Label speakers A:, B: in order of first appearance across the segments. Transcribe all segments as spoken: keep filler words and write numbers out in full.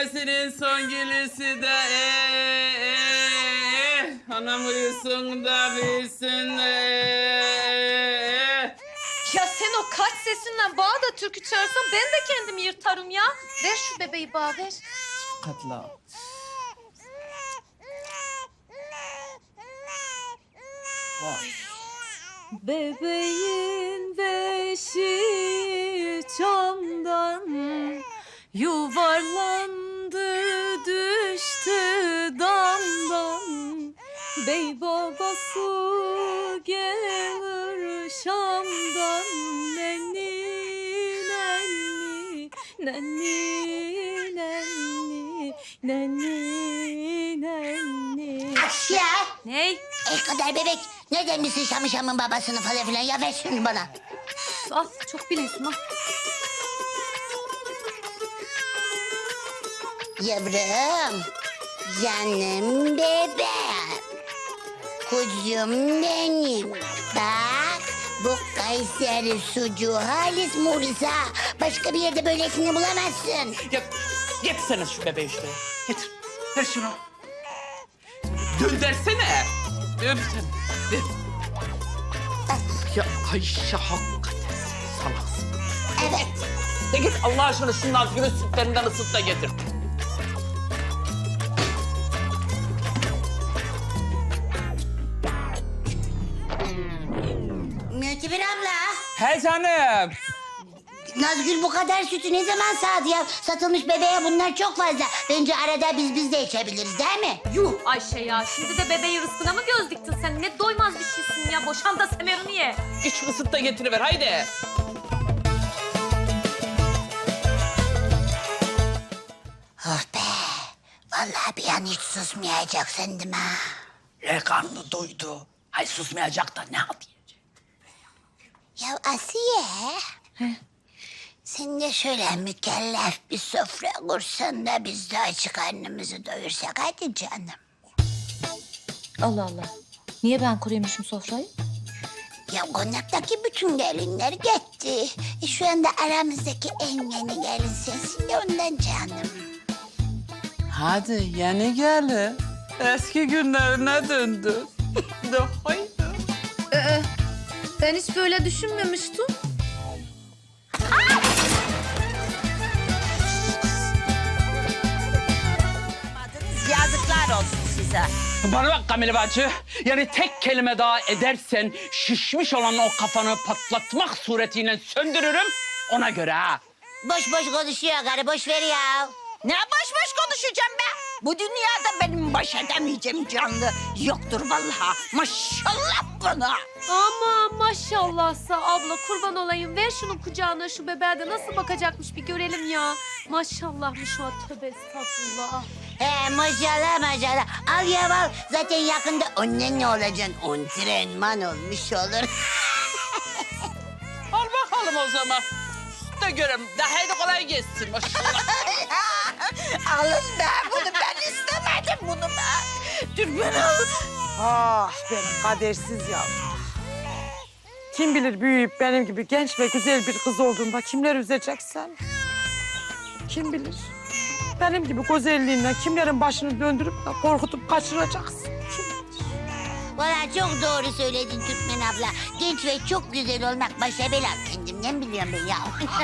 A: Annesinin son gülüsü de ee, ee, anam uyusun da bilsin de ee.
B: Ya sen o kaç sesinle bana da türkü çağırsan ben de kendimi yırtarım ya. Ver şu bebeği bana ver.
A: Katla. Vay.
B: Bebeğin beşi çamdan yuvarlandı düştü damdan. Bey babası gelir Şam'dan nenni nenni nenni nenni nenni nenni.
C: Ya
B: Ney?
C: el kadar bebek. Nereden bilsin Şam'ı Şam'ın babasını falan filan? Ya ver şunu bana.
B: Al çok biliyorsun al.
C: Yavrum, canım bebeğim, kuzum benim. Bak, bu Kayseri sucuğu halis Murisa. Başka bir yerde böylesini bulamazsın.
A: Ya getirsene şu bebeği şuraya. Getir. Ver şunu. Göndersene. Öp sen. Ver. Ya Ayşe hakikaten salaksın.
C: Evet.
A: De git Allah aşkına şunun altını sütlerinden ısıt da getir.
C: Mütebir abla,
A: He canım.
C: Nazgül bu kadar sütü ne zaman sağdı ya? Satılmış bebeğe bunlar çok fazla. Bence arada biz biz de içebiliriz değil mi?
B: Yuh Ayşe ya şimdi de bebeği rızkına mı göz diktin sen? Ne doymaz bir şeysin ya. Boşan da semerini ye.
A: Git şu ısıt da getiriver haydi.
C: Oh be, vallahi bir an hiç susmayacak sandım ha.
A: E karnı doydu. Ay susmayacak da ne diyecek?
C: Ya Asiye. Sen de şöyle mükellef bir sofra kursan da biz de açık karnımızı doyursak hadi canım.
B: Allah Allah. Niye ben kuruyormuşum sofrayı?
C: Ya konaktaki bütün gelinler gitti. E, şu anda aramızdaki en yeni gelin sensin ya ondan canım.
A: Hadi yeni gelin. Eski günlerine döndü. De haydi.
B: Ee, ben hiç böyle düşünmemiştim.
C: Yazıklar olsun size.
A: Bana bak Kamile bacı. Yani tek kelime daha edersen şişmiş olan o kafanı patlatmak suretiyle söndürürüm. Ona göre ha.
C: Boş boş konuşuyor karı boş ver ya.
D: Ne boş boş konuşacağım be? Bu dünyada benim baş edemeyeceğim canlı yoktur vallahi. Maşallah bana.
B: Ama maşallahsa abla kurban olayım. Ver şunun kucağına şu bebeğe de nasıl bakacakmış bir görelim ya. Maşallahmış o tövbe estağfurullah.
C: He maşallah maşallah. Al ya al. Zaten yakında annen ne olacaksın? Antrenman olmuş olur.
A: Al bakalım o zaman. Da görem. De haydi kolay gelsin maşallah.
D: Alın be bunu ben istemedim bunu be. Dur ben alın.
E: Ah benim kadersiz yavrum. Kim bilir büyüyüp benim gibi genç ve güzel bir kız olduğunda kimler üzeceksen? Kim bilir? Benim gibi güzelliğinden kimlerin başını döndürüp de korkutup kaçıracaksın? Kim bilir?
C: Valla çok doğru söyledin Türkmen abla. Genç ve çok güzel olmak başa bela. Kendimden biliyorum ben ya.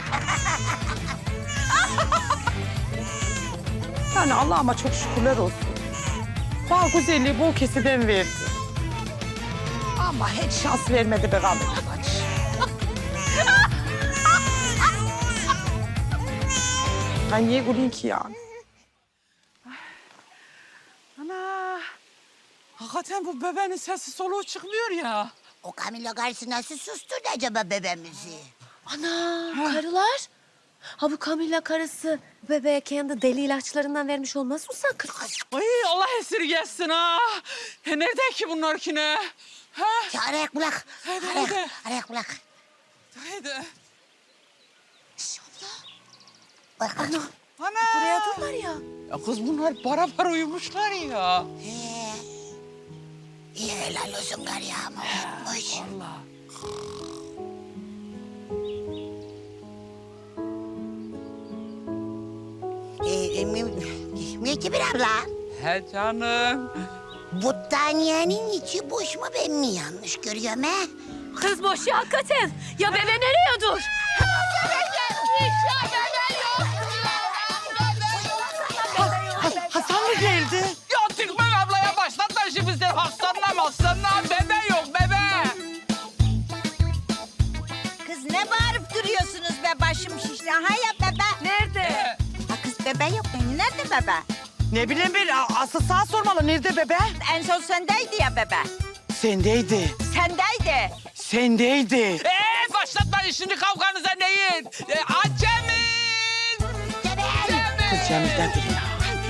E: Yani Allah'ıma çok şükürler olsun. Bana güzelliği bol keseden verdi. Ama hiç şans vermedi be Kamil bacı. Ben niye güleyim ki yani? Ana!
A: Hakikaten bu bebeğin sesi soluğu çıkmıyor ya.
C: O Camilo karısı nasıl susturdu acaba bebeğimizi?
B: Ana karılar. Ha bu Kamilla karısı bebeğe kendi deli ilaçlarından vermiş olmaz mı sakın?
A: Ay Allah esirgesin ha. Ya nerede ki bunlar ki ne? Ha?
C: Ya arayak bulak.
A: Hadi,
C: Arayak,
A: hadi.
C: arayak bulak.
A: Haydi.
C: Bak bak.
A: Ana.
B: Buraya durlar ya.
A: Ya kız bunlar para para uyumuşlar ya.
C: He. İyi helal olsun kar ya ama uyumuş.
A: Allah.
C: Ee, Mücibir abla,
A: He canım.
C: battaniyenin içi boş mu, ben mi yanlış görüyorum he?
B: Kız boş ya hakikaten. Ya bebe nereye dur?
E: Hasan mı geldi?
A: Ya Türkmen ablaya başlatma şimdi sen hastanla hastanla. Bebe yok bebe.
D: Kız ne bağırıp duruyorsunuz be başım şişti. Ha ya bebe.
B: Nerede?
D: Ha kız bebe yok mu? Nerede bebe?
E: Ne bileyim ben, a- asıl sana sormalı. Nerede bebe?
D: En son sendeydi ya bebe.
E: Sendeydi.
D: Sendeydi.
E: Sendeydi.
A: Ee, başlatmayın şimdi kavganıza neyin? Ee, Acemin!
E: Kız Cemil'dedir ya.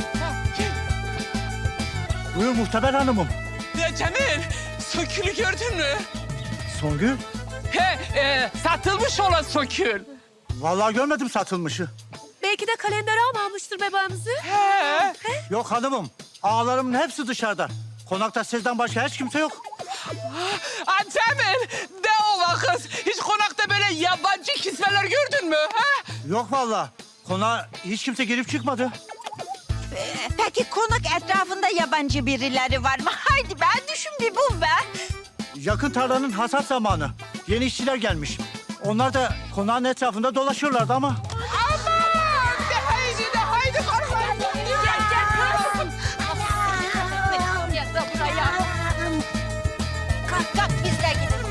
F: Buyur Muhteber Hanımım.
A: Ya Cemil, sökülü gördün mü?
F: Songül.
A: He, e, satılmış olan sökül.
F: Vallahi görmedim satılmışı.
B: Belki de kalender almamıştır bebeğimizi.
A: He.
F: Yok hanımım. Ağalarımın hepsi dışarıda. Konakta sizden başka hiç kimse yok.
A: Aa, Cemil, de ola kız. Hiç konakta böyle yabancı kismeler gördün mü? He?
F: Yok vallahi. Konağa hiç kimse girip çıkmadı.
D: Ee, Peki konak etrafında yabancı birileri var mı? Haydi be düşün bir bul be.
F: Yakın tarlanın hasat zamanı. Yeni işçiler gelmiş. Onlar da konağın etrafında dolaşıyorlardı ama.
A: Aman! De haydi de haydi korkmayın.
B: Gel gel kız. Gel de buraya.
D: Kalk kalk biz de gidelim.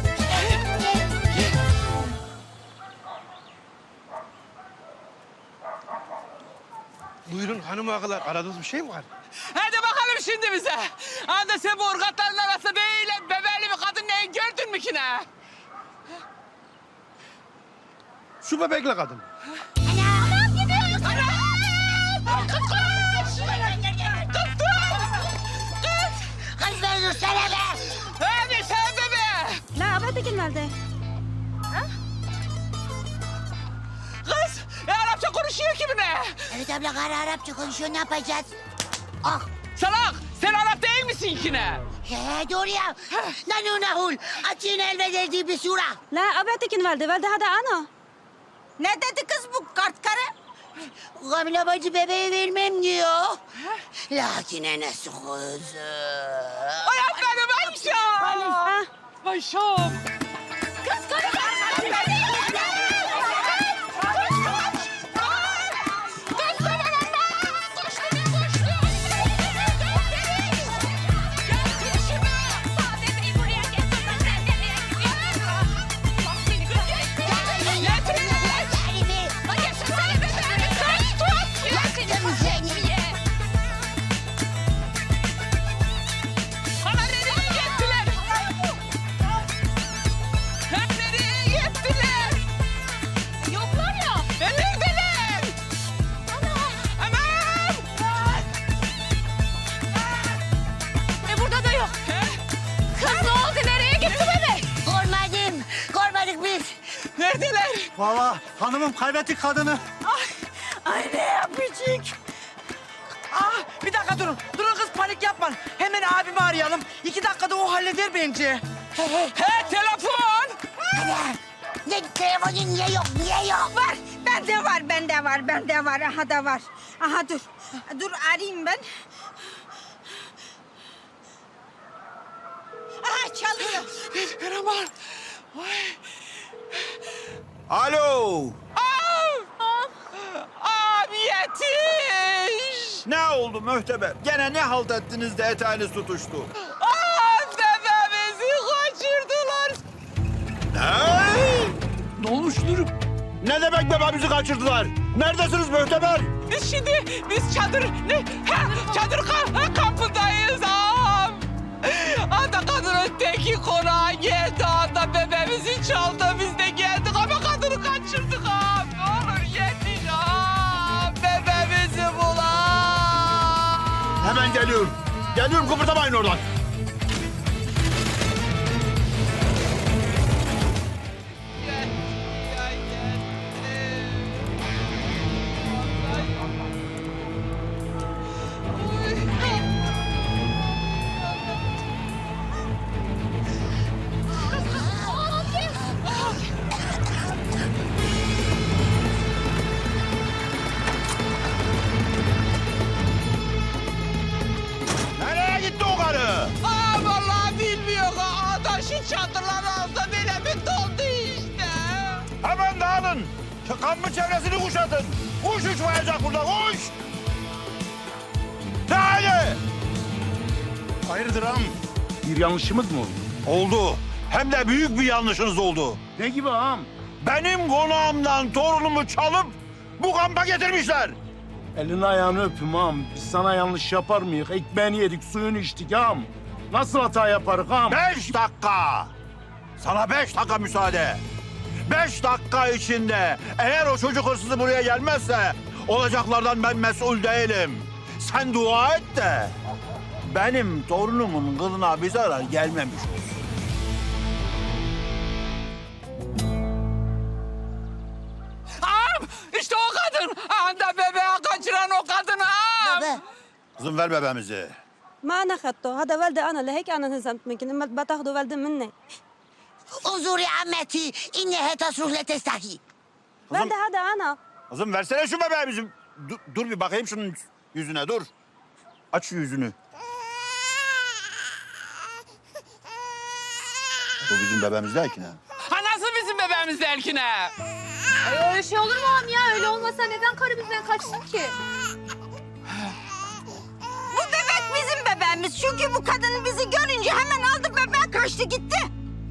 G: Buyurun hanım ağalar, aradığınız bir şey mi var?
A: Hadi bakalım şimdi bize. Anda sen bu ırgatların arasında böyle bebeli bir kadın neyin gördün mü ki ne?
G: Şu bebekle kadın.
C: Kız ben dursana be.
A: Hadi sen bebe.
D: Ne haber de gelmedi?
A: Kız, e, Arapça konuşuyor ki bu ne?
C: Evet abla, kara Arapça konuşuyor, ne yapacağız? Ah,
A: Salak, sen Arap değil misin ki ne?
C: he doğru ya. Nanu nahul, açın elbederdi bir sura.
H: لا أبعتك الوالدة والدة هذا أنا
D: Ne dedi kız bu kart karı?
C: Kamile bacı bebeği vermem diyor. Lakin enesi kızı.
A: Ay benim Ayşem.
H: آه
A: Ayşem. Bana nereye gittiler? Ha, nereye gittiler? Yoklar ya. E, neredeler? Aman!
B: E burada da yok. Kız ne oldu? Nereye gitti bebek?
C: Görmedim, görmedik biz.
A: Neredeler?
F: Vallahi hanımım kaybettik kadını.
E: Ay ne yapacak? Ah bir dakika durun. Durun kız panik yapma. Hemen abimi arayalım. İki dakikada o halleder bence.
A: He, telefon.
C: Ana, ne telefonun niye yok, niye yok?
D: Var. Bende var, bende var, bende var. Aha da var. Aha dur. Dur arayayım ben. Aha çalıyor.
A: Merhaba.
G: Alo.
A: Abi yetiş.
G: Ne oldu Mühteber? Gene ne halt ettiniz de etağınız tutuştu?
A: Aa, bebeğimizi kaçırdılar.
G: Ne? Ne olmuş durum? Ne demek bebeğimizi kaçırdılar? Neredesiniz Mühteber?
A: Biz şimdi, biz çadır, ne? Ha, çadır ka ha, kampındayız ağam. Anda kadının teki konağa geldi, anda bebeğimizi çaldı. Biz de geldik ama kadını kaçırdık ağam. Ne olur yetiş ağam, bebeğimizi bul ağam.
G: Hemen geliyorum. Geliyorum, kıpırdamayın oradan. alın. Kampın çevresini kuşatın. Kuş uçmayacak burada, kuş. De hadi.
I: Hayırdır ağam? Bir yanlışımız mı oldu?
G: Oldu. Hem de büyük bir yanlışınız oldu.
I: Ne gibi ağam?
G: Benim konağımdan torunumu çalıp bu kampa getirmişler.
I: Elini ayağını öpüm ağam. Biz sana yanlış yapar mıyız? Ekmeğini yedik, suyunu içtik ağam. Nasıl hata yaparız ağam?
G: Beş dakika. Sana beş dakika müsaade. Beş dakika içinde eğer o çocuk hırsızı buraya gelmezse olacaklardan ben mesul değilim. Sen dua et de benim torunumun kılına bir zarar gelmemiş olsun.
A: Ağam işte o kadın. Anda bebeği kaçıran o kadın ağam.
C: Baba.
G: Kızım ver bebeğimizi.
H: ما أنا خدته هذا والدي أنا لهيك أنا انهزمت منكم لما بتاخذوا والدي مني.
C: انظري عمتي إنها تصرخ لا تستحي.
H: والدي هذا أنا.
G: Kızım versene şu bebeğimizi. Dur, dur bir bakayım şunun yüzüne dur. Aç şu yüzünü. Bu bizim bebeğimiz değil ki ne?
A: Ha nasıl bizim bebeğimiz Elkine?
B: Ay öyle şey olur mu ağam ya? Öyle olmasa neden karı bizden kaçsın ki?
D: Bu bebek bizim bebeğimiz. Çünkü bu kadın bizi görünce hemen aldı bebeği kaçtı gitti.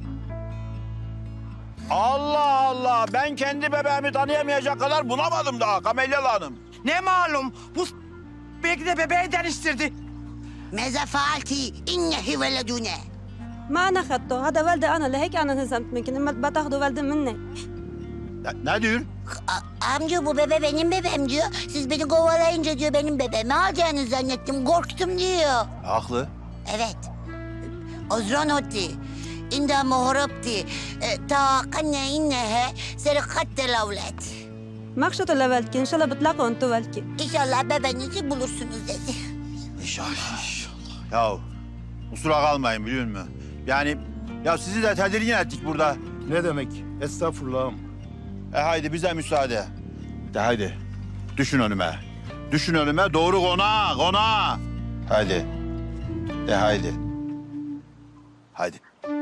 G: Allah Allah, ben kendi bebeğimi tanıyamayacak kadar bunamadım daha Kamelyalı Hanım.
E: Ne malum? Bu s- belki de bebeği değiştirdi.
C: ماذا فعلتي؟ إنه ولدنا.
H: ما أنا خدته هذا والدي أنا لهيك أنا انهزمت منكم لما بتاخذوا والدي مني.
G: Ne, ne diyor?
C: A- amca bu bebe benim bebeğim diyor. Siz beni kovalayınca diyor benim bebeğimi alacağını zannettim. Korktum diyor.
G: Haklı.
C: Evet. Ozronotti. İnda muhrabti. Ta kanne innehe serikatte lavlet.
H: ما خشطوا لوالدكي إن شاء الله بتلاقوا أنتوا والدكي.
C: İnşallah bebeğinizi bulursunuz dedi.
G: İnşallah. Ya kusura kalmayın biliyor musun? Yani ya sizi de tedirgin ettik burada.
I: Ne demek? Estağfurullah ağam.
G: E haydi bize müsaade. De haydi. Düşün önüme. Düşün önüme doğru konağa konağa. Haydi. De haydi. Haydi.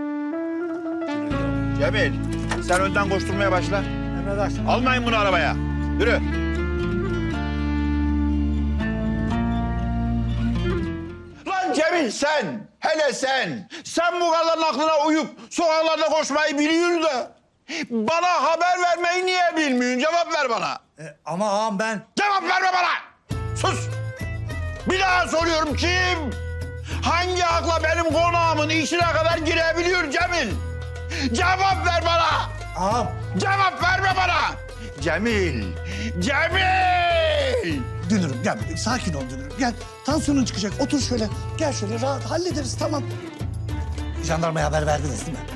G: Cemil sen önden koşturmaya başla.
F: Emredersin.
G: Almayın bunu arabaya. Yürü. Lan Cemil sen, hele sen. Sen bu kadının aklına uyup sokaklarda koşmayı biliyorsun da bana haber vermeyi niye bilmiyorsun? Cevap ver bana.
F: E, ama ağam ben...
G: Cevap verme bana. Sus. Bir daha soruyorum kim? Hangi akla benim konağımın içine kadar girebiliyor Cemil? Cevap ver bana.
F: Ağam.
G: Cevap verme bana. Cemil. Cemil.
J: Dünürüm gel sakin ol Dünürüm gel. Tansiyonun çıkacak otur şöyle. Gel şöyle rahat hallederiz tamam. Jandarmaya haber verdiniz değil mi?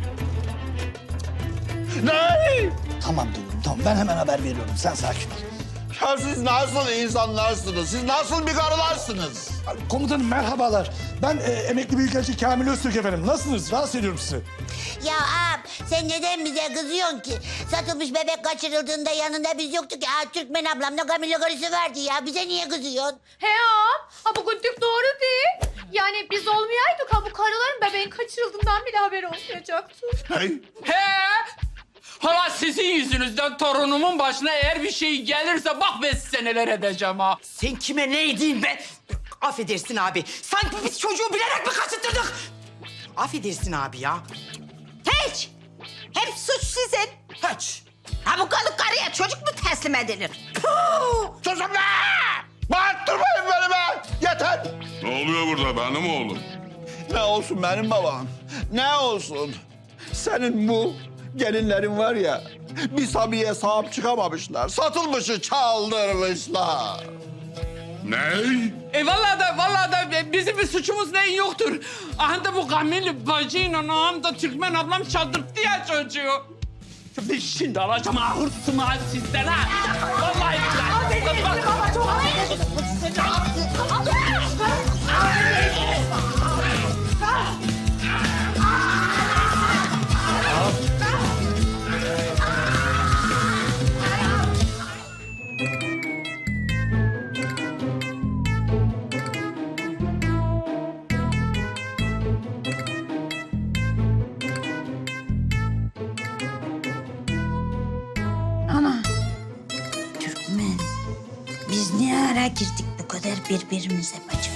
G: Ne?
J: Tamam Dünürüm tamam ben hemen haber veriyorum sen sakin ol.
G: Ya siz nasıl insanlarsınız? Siz nasıl bir karılarsınız?
J: Komutanım merhabalar. Ben e, emekli büyükelçi Kamil Öztürk efendim. Nasılsınız? Rahatsız ediyorum sizi.
C: Ya ağam sen neden bize kızıyorsun ki? Satılmış bebek kaçırıldığında yanında biz yoktuk ya. Türkmen ablamla Kamil'le karısı vardı ya. Bize niye kızıyorsun?
B: He ağam. Ha bu gündük doğru değil. Yani biz olmayaydık ha bu karıların bebeğin kaçırıldığından bile haberi olmayacaktı.
G: Hey.
A: He. Hala sizin yüzünüzden torunumun başına eğer bir şey gelirse bak ben size neler edeceğim ha.
E: Sen kime ne edeyim be? Affedersin abi. Sanki biz çocuğu bilerek mi kaçırtırdık? Affedersin abi ya.
D: Hiç. Hep suç sizin.
E: Hiç.
D: Ha bu kalık karıya çocuk mu teslim edilir?
G: Susun be! Bağırttırmayın beni be! Yeter!
K: Ne oluyor burada benim oğlum?
G: Ne olsun benim babam? Ne olsun? Senin bu gelinlerin var ya, bir Sabiye sahip çıkamamışlar. Satılmışı çaldırmışlar.
K: Ne?
A: E vallahi da vallahi da bizim bir suçumuz neyin yoktur. Aha da bu Kamil bacıyla ağam da Türkmen ablam çaldırttı ya çocuğu. Ben şimdi alacağım ha hırsımı ha sizden ha. Vallahi billahi. Bak, bak.
C: neye girdik bu kadar birbirimize bacım?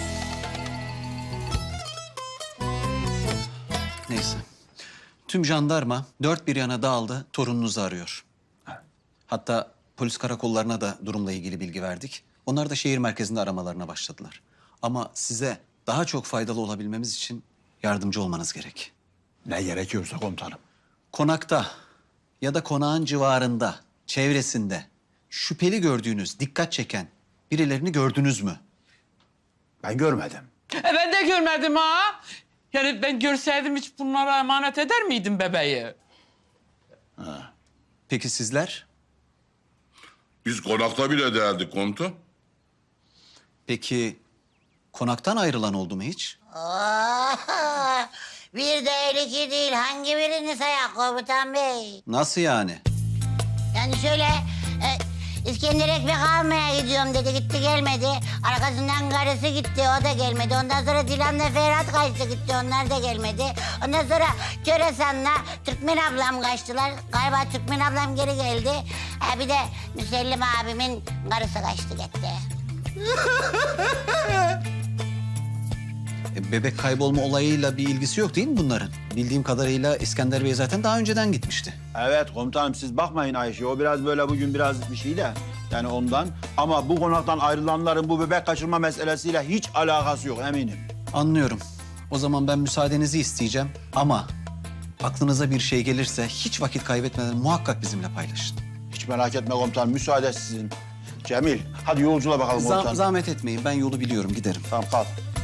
L: Neyse. Tüm jandarma dört bir yana dağıldı, torununuzu arıyor. Hatta polis karakollarına da durumla ilgili bilgi verdik. Onlar da şehir merkezinde aramalarına başladılar. Ama size daha çok faydalı olabilmemiz için yardımcı olmanız gerek.
G: Ne gerekiyorsa komutanım.
L: Konakta ya da konağın civarında, çevresinde şüpheli gördüğünüz, dikkat çeken birilerini gördünüz mü?
G: Ben görmedim.
A: E ben de görmedim ha. Yani ben görseydim hiç bunlara emanet eder miydim bebeği?
L: Peki sizler?
K: Biz konakta bile değerdik komutan.
L: Peki konaktan ayrılan oldu mu hiç?
C: Oh, bir değil iki değil. Hangi birini sayak komutan bey?
L: Nasıl yani?
C: Yani şöyle e, İskender ekmek almaya gidiyorum dedi, gitti gelmedi. Arkasından karısı gitti, o da gelmedi. Ondan sonra Dilan'la Ferhat kaçtı gitti, onlar da gelmedi. Ondan sonra Köresan'la Türkmen ablam kaçtılar. Galiba Türkmen ablam geri geldi. Ha, bir de Müsellim abimin karısı kaçtı gitti.
L: E, bebek kaybolma olayıyla bir ilgisi yok değil mi bunların? Bildiğim kadarıyla İskender Bey zaten daha önceden gitmişti.
G: Evet komutanım, siz bakmayın Ayşe. O biraz böyle bugün biraz bir şey de. Yani ondan. Ama bu konaktan ayrılanların bu bebek kaçırma meselesiyle hiç alakası yok eminim.
L: Anlıyorum. O zaman ben müsaadenizi isteyeceğim ama aklınıza bir şey gelirse hiç vakit kaybetmeden muhakkak bizimle paylaşın.
G: Hiç merak etme komutanım, müsaade sizin. Cemil, hadi yolculuğa bakalım
L: Zah-
G: komutanım.
L: zahmet etmeyin. Ben yolu biliyorum. Giderim.
G: Tamam, kalk.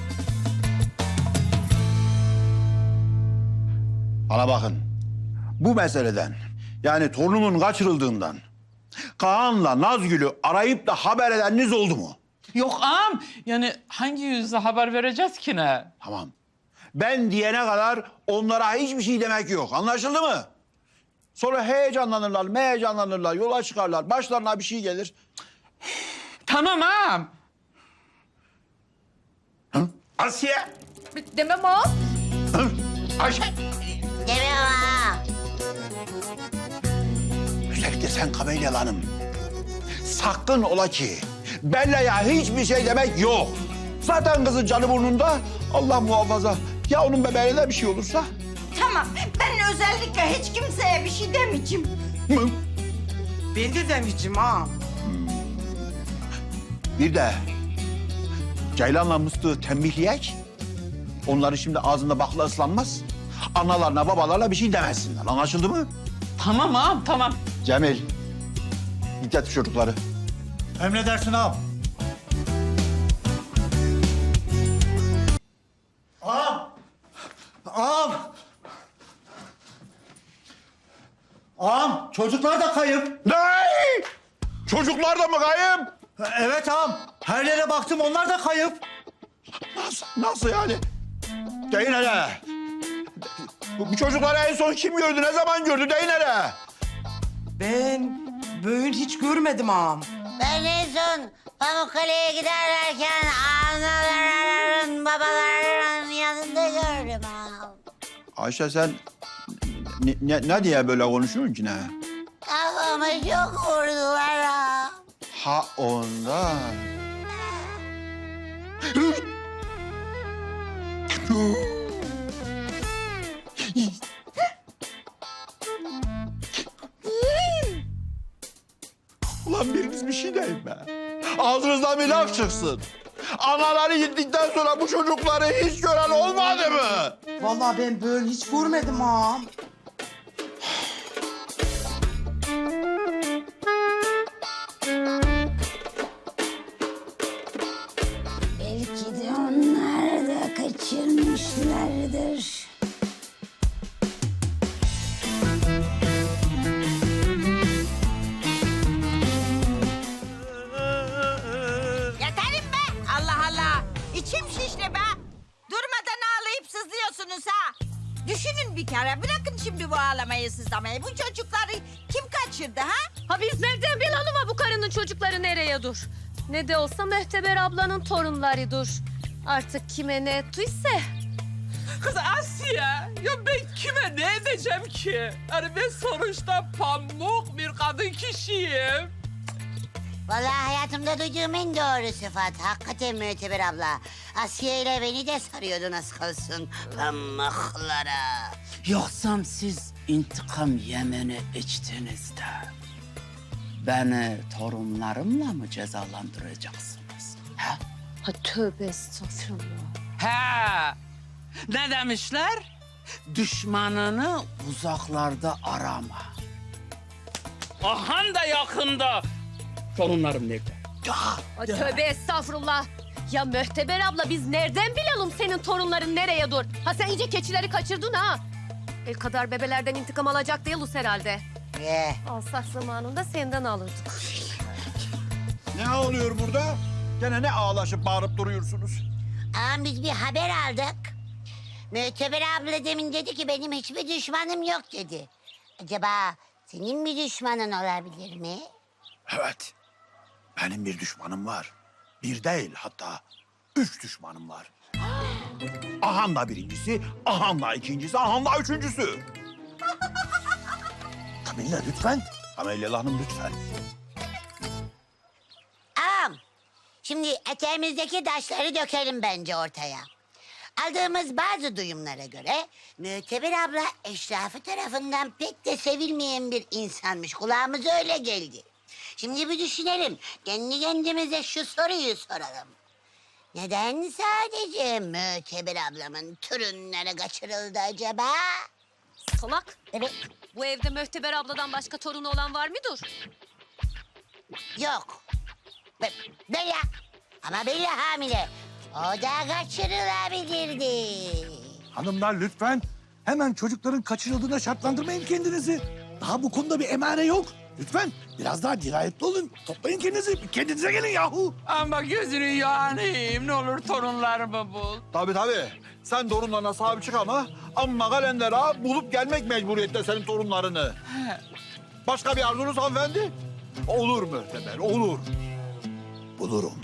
G: Bana bakın. Bu meseleden, yani torunumun kaçırıldığından Kaan'la Nazgül'ü arayıp da haber edeniniz oldu mu?
A: Yok ağam. Yani hangi yüzle haber vereceğiz ki ne?
G: Tamam. Ben diyene kadar onlara hiçbir şey demek yok. Anlaşıldı mı? Sonra heyecanlanırlar, meheyecanlanırlar, yola çıkarlar. Başlarına bir şey gelir.
A: Tamam ağam.
G: Hı? Asiye!
B: Demem ağam.
G: Hı? Ayşe!
C: Demem ha.
G: Özellikle sen Kamelya Hanım. Sakın ola ki Bella'ya hiçbir şey demek yok. Zaten kızın canı burnunda. Allah muhafaza. Ya onun bebeğine de bir şey olursa?
D: Tamam, ben özellikle hiç kimseye bir şey demeyeceğim.
G: Hı?
A: Ben de demeyeceğim ağam.
G: Bir de Ceylan'la Mıstık'ı tembihleyek. Onların şimdi ağzında bakla ıslanmaz. Analarına, babalarına bir şey demesinler. Anlaşıldı mı?
A: Tamam ağam, tamam.
G: Cemil, git getir çocukları.
F: Emredersin ağam. Ağam! Ağam! Ağam, çocuklar da kayıp.
G: Ne? Çocuklar da mı kayıp?
F: Evet ağam, her yere baktım, onlar da kayıp.
G: Nasıl, nasıl yani? Deyin hele. Bu, bu çocukları en son kim gördü, ne zaman gördü? Deyin hele.
A: Ben böyle hiç görmedim ağam.
C: Ben en son Pamukkale'ye giderlerken analarının, babalarının yanında gördüm ha.
G: Ayşe sen ne, ne, ne diye böyle konuşuyorsun ki ne?
C: Kafamı çok vurdular ha.
G: Ha ondan. Ulan biriniz bir şey deyin be. Ağzınızdan bir laf çıksın. Anaları gittikten sonra bu çocukları hiç gören olmadı mı?
A: Vallahi ben böyle hiç görmedim ağam.
C: Belki de onlar da kaçırmışlardır.
D: Yeterim be! Allah Allah! İçim şişti be! Durmadan ağlayıp sızlıyorsunuz ha! Düşünün bir kere, bırakın şimdi bu ağlamayı sızlamayı. Bu çocukları kim kaçırdı ha?
B: Ha biz nereden bilelim ha bu karının çocukları nereye dur? Ne de olsa Mehteber ablanın torunları dur. Artık kime ne ettiyse.
A: Kız Asiye, ya ben kime ne edeceğim ki? Yani ben sonuçta pamuk bir kadın kişiyim.
C: Vallahi hayatımda duyduğum en doğru sıfat. Hakikaten Müteber abla. Asiye ile beni de sarıyordu nasıl kalsın pamuklara.
A: Yoksa siz intikam yemini içtiniz de beni torunlarımla mı cezalandıracaksınız? Ha?
B: Ha tövbe estağfurullah.
A: He. Ne demişler? Düşmanını uzaklarda arama. Ahan da yakında. Torunlarım nerede?
B: Ha tövbe estağfurullah. Ya Möhteber abla biz nereden bilelim senin torunların nereye dur? Ha sen iyice keçileri kaçırdın ha. El kadar bebelerden intikam alacak değiliz herhalde.
C: Ye.
B: Alsak zamanında senden alırdık.
G: Ne oluyor burada? Gene ne ağlaşıp bağırıp duruyorsunuz?
C: Ama biz bir haber aldık. Müteber abla demin dedi ki benim hiçbir düşmanım yok dedi. Acaba senin bir düşmanın olabilir mi?
G: Evet. Benim bir düşmanım var. Bir değil hatta üç düşmanım var. Ahanla birincisi, ahanla ikincisi, ahanla üçüncüsü.
J: Kamilla lütfen.
G: Ameliyah Hanım lütfen.
C: Ağam, şimdi eteğimizdeki taşları dökelim bence ortaya. Aldığımız bazı duyumlara göre Müteber abla eşrafı tarafından pek de sevilmeyen bir insanmış. Kulağımıza öyle geldi. Şimdi bir düşünelim. Kendi kendimize şu soruyu soralım. Neden sadece Müteber ablamın torunları kaçırıldı acaba?
B: Salak.
C: Evet.
B: Bu evde Möhteber abladan başka torunu olan var mıdır?
C: Yok. Be Bella. Ama Bella hamile. O da kaçırılabilirdi.
J: Hanımlar lütfen. Hemen çocukların kaçırıldığına şartlandırmayın kendinizi. Daha bu konuda bir emare yok. Lütfen biraz daha dirayetli olun. Toplayın kendinizi. Kendinize gelin yahu.
A: Ama gözünü yanayım. Ne olur torunlarımı bul.
G: Tabii tabii. Sen torunlarına sahip çık ama amma kalender ha bulup gelmek mecburiyette senin torunlarını. Başka bir arzunuz hanımefendi? Olur Mühteber, olur. Bulurum.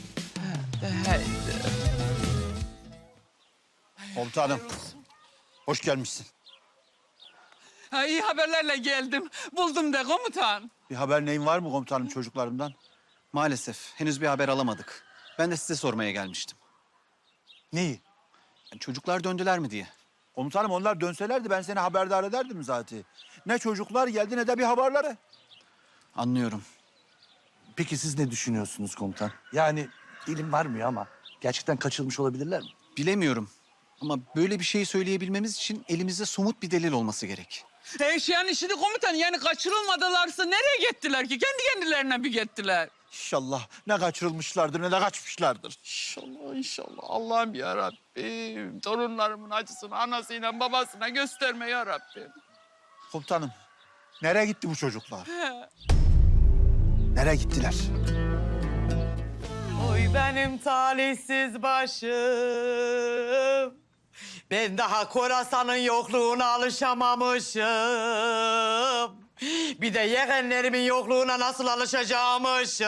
G: Komutanım, hoş gelmişsin.
A: Ha, iyi haberlerle geldim. Buldum de komutan.
G: Bir haber neyin var mı komutanım çocuklarımdan?
L: Maalesef henüz bir haber alamadık. Ben de size sormaya gelmiştim.
G: Neyi?
L: Yani çocuklar döndüler mi diye.
G: Komutanım onlar dönselerdi ben seni haberdar ederdim zaten. Ne çocuklar geldi ne de bir haberleri.
L: Anlıyorum.
J: Peki siz ne düşünüyorsunuz komutan? Yani dilim varmıyor ama gerçekten kaçırılmış olabilirler mi?
L: Bilemiyorum. Ama böyle bir şeyi söyleyebilmemiz için elimizde somut bir delil olması gerek.
A: Eşyan işini komutan yani kaçırılmadılarsa nereye gittiler ki? Kendi kendilerine bir gittiler.
G: İnşallah ne kaçırılmışlardır ne de kaçmışlardır.
A: İnşallah inşallah. Allah'ım ya Rabbim. Torunlarımın acısını anasıyla babasına gösterme ya Rabbim.
G: Komutanım nereye gitti bu çocuklar? Nereye gittiler?
E: Oy benim talihsiz başım. Ben daha Korasan'ın yokluğuna alışamamışım. Bir de yeğenlerimin yokluğuna nasıl alışacağımışım.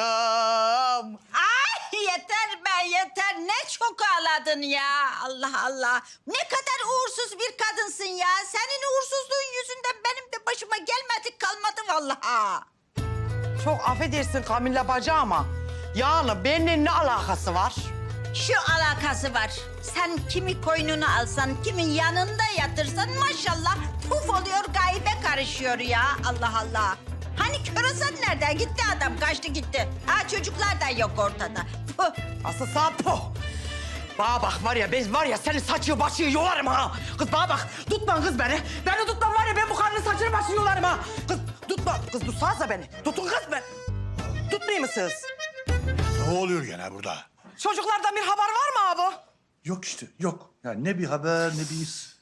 D: Ay yeter be yeter. Ne çok ağladın ya. Allah Allah. Ne kadar uğursuz bir kadınsın ya. Senin uğursuzluğun yüzünden benim de başıma gelmedik kalmadı vallahi.
E: Çok affedersin Kamilla bacı ama yani benimle ne alakası var?
D: Şu alakası var. Sen kimi koynuna alsan, kimin yanında yatırsan maşallah puf oluyor, gaybe karışıyor ya. Allah Allah. Hani Körosan nerede? Gitti adam, kaçtı gitti. Ha çocuklar da yok ortada. Puh.
E: Asıl sen po. Bana bak var ya ben var ya senin saçı başı yolarım ha. Kız bana bak tutma kız beni. Beni tutma var ya ben bu karının saçını başını yolarım ha. Kız tutma kız tutsanıza beni. Tutun kız ben. Tutmayayım mısınız?
G: Ne oluyor gene burada?
E: Çocuklardan bir haber var mı abi?
J: Yok işte yok. Yani ne bir haber ne bir iz.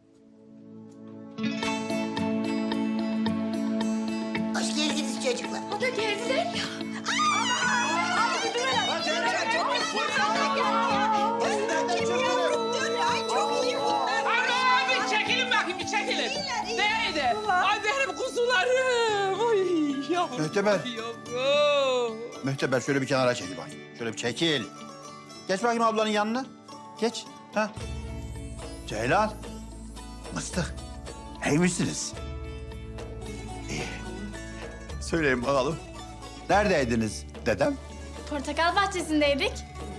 C: Hoş geldiniz çocuklar.
B: O da geldiler ya.
A: Abi çekilin bakayım bir çekilin. Neydi? Ay benim kuzularım. Ay yavrum.
G: Mühteber.
A: Yavrum.
G: Mühteber şöyle bir kenara çekil bak. Şöyle bir çekil. Geç bakayım ablanın yanına. Geç. Ha. Ceylan. Mıstık. İyi misiniz? İyi. Söyleyin bakalım. Neredeydiniz? Dedem
M: Portakal bahçesindeydik.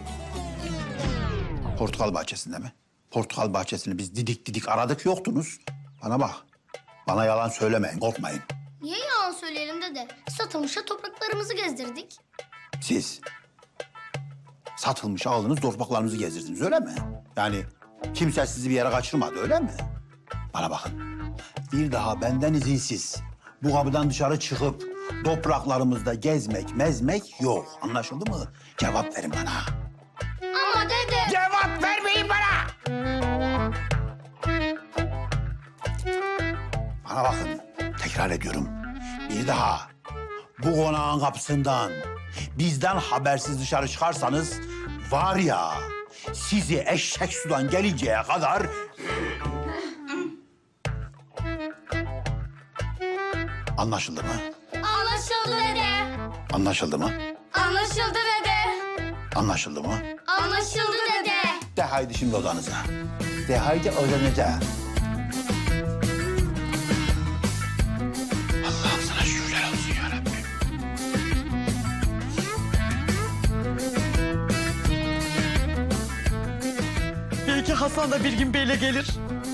G: portakal bahçesinde mi? Portakal bahçesini biz didik didik aradık yoktunuz. Bana bak. Bana yalan söylemeyin, korkmayın.
M: Niye yalan söyleyelim dede? Satılmışa topraklarımızı gezdirdik.
G: Siz satılmış aldınız, torpaklarınızı gezdirdiniz öyle mi? Yani kimse sizi bir yere kaçırmadı öyle mi? Bana bakın. Bir daha benden izinsiz bu kapıdan dışarı çıkıp topraklarımızda gezmek, mezmek yok. Anlaşıldı mı? Cevap verin bana.
M: Ama dede...
G: Cevap vermeyin bana! Bana bakın, tekrar ediyorum. Bir daha bu konağın kapısından bizden habersiz dışarı çıkarsanız var ya sizi eşek sudan gelinceye kadar... Anlaşıldı mı?
M: Anlaşıldı dede.
G: Anlaşıldı mı?
M: Anlaşıldı dede.
G: Anlaşıldı mı?
M: Anlaşıldı dede.
G: De haydi şimdi odanıza. De haydi odanıza. Allah'ım sana şükürler olsun ya Rabbi.
E: Belki Hasan da bir gün böyle gelir.